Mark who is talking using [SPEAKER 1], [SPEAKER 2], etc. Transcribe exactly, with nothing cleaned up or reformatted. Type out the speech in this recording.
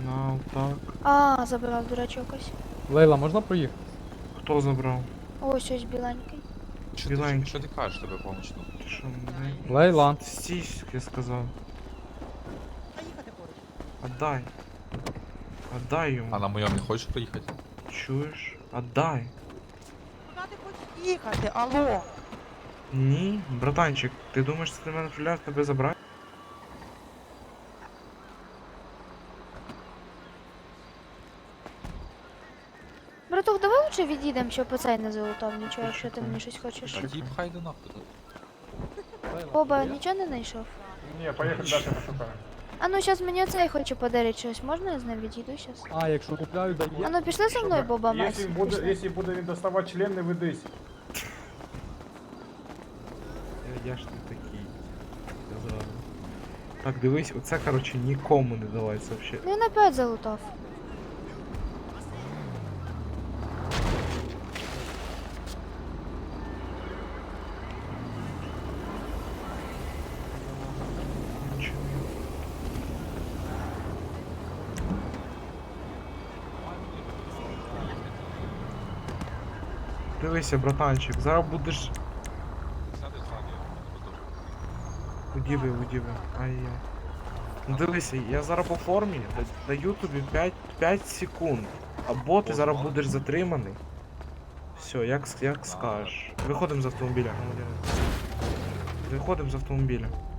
[SPEAKER 1] Сигнал, так.
[SPEAKER 2] А, забрав дурачок ось.
[SPEAKER 3] Лейла, можна проїхати?
[SPEAKER 1] Хто забрав?
[SPEAKER 2] Ось ось біленький.
[SPEAKER 4] Що ти,
[SPEAKER 1] Біленький.
[SPEAKER 4] що ти кажеш, тебе помічно?
[SPEAKER 1] Ти що, не?
[SPEAKER 3] Лейла.
[SPEAKER 1] Стій, я сказав. Отдай. Отдай йому.
[SPEAKER 4] А на моєму не хочеш приїхати?
[SPEAKER 1] Чуєш? Отдай.
[SPEAKER 5] Куди ти хочеш їхати? Алло?
[SPEAKER 1] Ні, братанчик, ти думаєш, це ти мене філяр тебе забрати?
[SPEAKER 2] Братух, давай лучше відійдемо, щоб оцей не залутав нічого, якщо ти мені щось хочеш.
[SPEAKER 4] Та дід хай до нахуй.
[SPEAKER 2] Боба, нічого не знайшов?
[SPEAKER 6] Ні, поїхали далі пошукаємо.
[SPEAKER 2] А ну зараз мені оцей хоче подарити щось, можна я з ним відійду зараз?
[SPEAKER 3] А, якщо купляю,
[SPEAKER 2] А
[SPEAKER 3] дає.
[SPEAKER 2] ну пішли зі мною, Боба Мась.
[SPEAKER 6] Якщо буде,
[SPEAKER 2] Пішли.
[SPEAKER 6] якщо буде він доставати член, не ведись.
[SPEAKER 1] Я, я ж не такий. Сказав. Так, дивись, оце, короче, нікому не давається вообще.
[SPEAKER 2] Ну він опять залутав.
[SPEAKER 1] Нічого. Дивися, братанчик, зараз будеш.
[SPEAKER 4] Сяди ззаді,
[SPEAKER 1] Удіви, удіви. Ай-яй. Ну дивися, я зараз по формі да- даю тобі п'ять секунд. Або ти зараз будеш затриманий. Все, як, с- як скажеш. Виходимо з автомобіля, громадянин. Виходимо з автомобіля.